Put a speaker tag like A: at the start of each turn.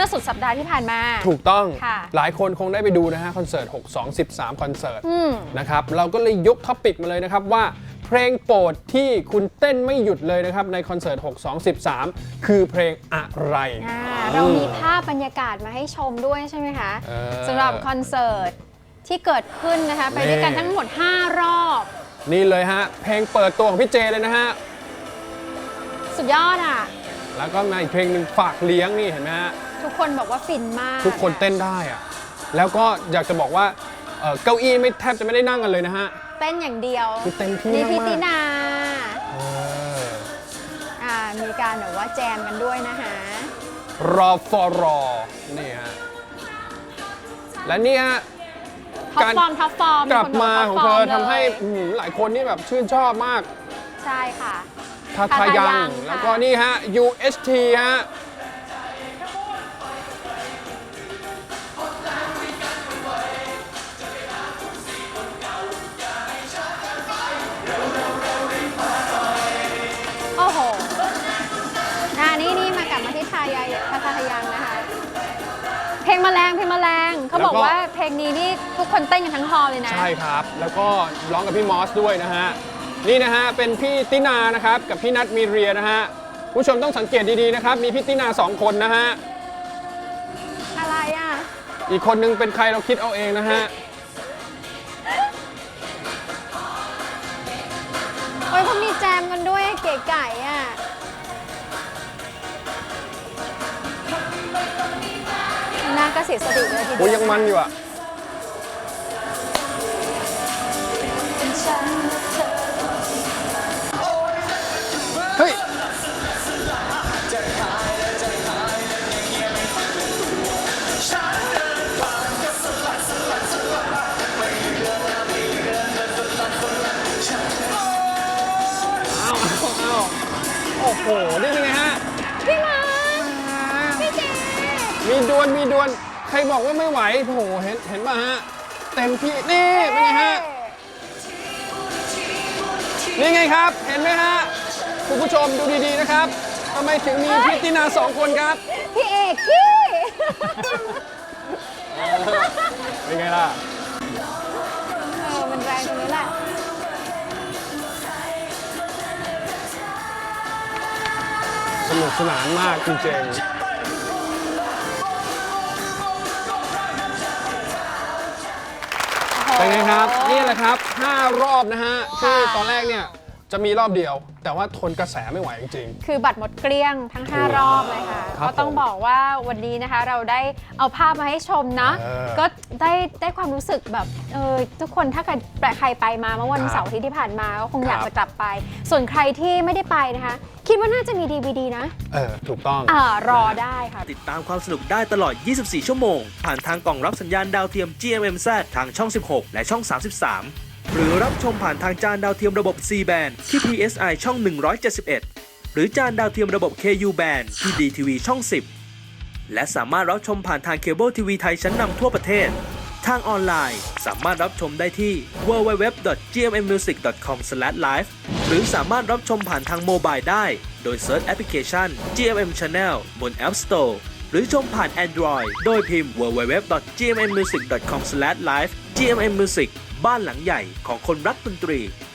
A: อสุดสัปดาห์ที่ผ่านมา
B: ถูกต้อง
A: ค่ะ
B: หลายคนคงได้ไปดูนะฮะคอนเสิร์ต6-2-13คอนเสิร์ตนะครับเราก็เลยยกท็อปิกมาเลยนะครับว่าเพลงโปรดที่คุณเต้นไม่หยุดเลยนะครับในคอนเสิร์ต6-2-13คือเพลงอะไร
A: เรามีภาพบรรยากาศมาให้ชมด้วยใช่ไหมคะสำหรับคอนเสิร์ตที่เกิดขึ้นนะคะไปด้วยกันทั้งหมด5รอบ
B: นี่เลยฮะเพลงเปิดตัวของพี่เจเลยนะฮะ
A: สุดยอดอ่ะ
B: แล้วก็มาอีกเพลงหนึ่งฝากเลี้ยงนี่เห็นไหมฮะ
A: ทุกคนบอกว่าฟินมาก
B: ทุกคนเต้นได้อ่ะแล้วก็อยากจะบอกว่าเก้าอี้ไม่แทบจะไม่ได้นั่งกันเลยนะฮะ
A: เต้นอย่างเดียว
B: คือเต็มที่
A: นี่
B: มาก
A: พี่ตินามีการแบบว่าแจมกันด้วยนะคะ
B: รอฟอรอนี่ฮะและนี่ฮะ
A: ท็อปฟอร์ม
B: กลับมาของเธอทำให้หลายคนนี่แบบชื่นชอบมาก
A: ใช่ค่ะ
B: ทาทายังแล้วก็นี่ฮะ UHT ฮะ
A: โอ้โหนี่มากลับมาที่ทายังนะคะเพลงแมลงเขาบอกว่าเพลงนี้นี่ทุกคนเต้นกันทั้งฮอลเลยนะ
B: ใช่ครับแล้วก็ร้องกับพี่มอสด้วยนะฮะนี่นะฮะเป็นพี่ตินานะครับกับพี่นัทมีเรียนะฮะผู้ชมต้องสังเกตดีๆนะครับมีพี่ตินา2คนนะฮะ
A: อะไรอ่ะ
B: อีกคนนึงเป็นใครเราคิดเอาเองนะฮะ
A: โอ้ยเขามีแจมกันด้วยเก๋ไก่อ่ะน่าก็เสียสติเลยทีเดียว
B: โอ้ยังมันอยู่อ่ะเฮ้ยโอ้โหนี่เป็นไงฮะ
A: พี่มาพี่เจ
B: มีดวลใครบอกว่าไม่ไหวโอ้โหเห็นป่ะฮะเต็มที่นี่เป็นไงฮะนี่ไงครับเห็นไหมฮะคุณผู้ชมดูดีๆนะครับทำไมถึงมีพี่ตินา2คนครับ
A: พี่เอกกี้
B: เป็นไงล่ะ
A: มันแรงตรงนี้แหละ
B: สนุกสนานมากจริงๆเป็นไงครับนี่แหละครับ5รอบนะฮะที่ตอนแรกเนี่ยจะมีรอบเดียวแต่ว่าทนกระแสไม่ไหวจริง
A: ๆคือบัตรหมดเกลี้ยงทั้ง5รอบเลยค่ะก็ต้องบอกว่าวันนี้นะคะเราได้เอาภาพมาให้ชมนะก็ได้ความรู้สึกแบบทุกคนถ้าเกิดใครไปมาเมื่อวันเสาร์ที่ผ่านมาก็คงอยากจะกลับไปส่วนใครที่ไม่ได้ไปนะคะคิดว่าน่าจะมี DVD นะ
B: ถูกต้อง
A: รอได้ค่ะ
C: ติดตามความสนุกได้ตลอด24ชั่วโมงผ่านทางกล่องรับสัญญาณดาวเทียม GMMZ ทางช่อง16และช่อง33หรือรับชมผ่านทางจานดาวเทียมระบบ C band ที่ PSI ช่อง171หรือจานดาวเทียมระบบ KU band ที่ DTV ช่อง10และสามารถรับชมผ่านทางเคเบิลทีวีไทยชั้นนำทั่วประเทศทางออนไลน์สามารถรับชมได้ที่ www.gmmusic.com/live หรือสามารถรับชมผ่านทางโมบายได้โดยเซิร์ชแอปพลิเคชัน GMM Channel บน App Store หรือชมผ่าน Android โดยพิมพ์ www.gmmusic.com/live GMM Music บ้านหลังใหญ่ของคนรักดนตรี